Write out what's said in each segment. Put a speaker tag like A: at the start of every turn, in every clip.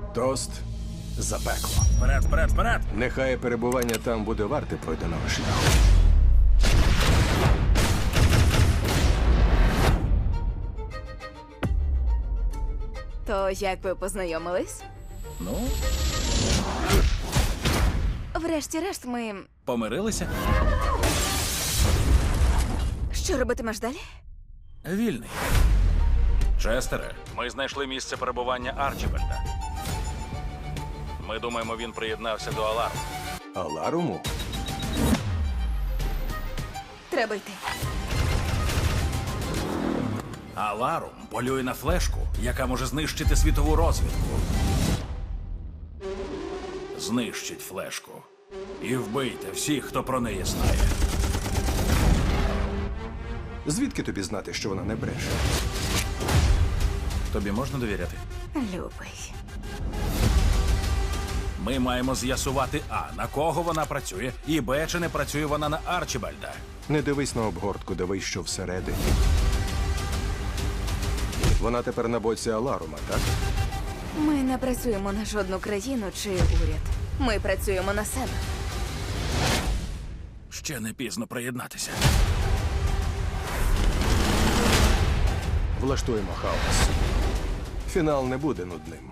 A: Тост за пекло.
B: Вперед, вперед, вперед!
A: Нехай перебування там буде варте пройденого шляху.
C: То як ви познайомились?
B: Ну,
C: Врешті-решт, ми.
B: помирилися?
C: Що робитимеш далі?
B: Вільний. Честере, ми знайшли місце перебування Арчібальда. Ми думаємо, він приєднався до Аларму.
A: Аларуму?
C: Треба йти.
B: Аларум полює на флешку, яка може знищити світову розвідку. Знищить флешку. І вбийте всіх, хто про неї знає.
A: Звідки тобі знати, що вона не бреше?
B: Тобі можна довіряти?
C: Любий.
B: Ми маємо з'ясувати А, на кого вона працює, і Б, чи не працює вона на Арчібальда.
A: Не дивись на обгортку, дивись, що всередині. Вона тепер на боці Аларума, так?
C: Ми не працюємо на жодну країну чи уряд. Ми працюємо на себе.
B: Ще не пізно приєднатися.
A: Влаштуємо хаос. Фінал не буде нудним.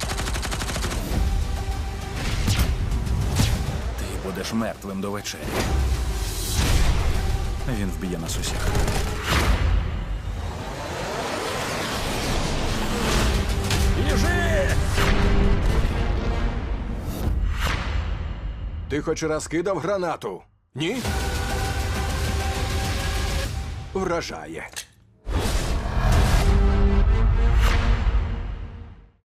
B: Ти будеш мертвим до вечері. Він вб'є нас усіх. Біжи!
A: Ти хоч раз кидав гранату? Ні? Вражає.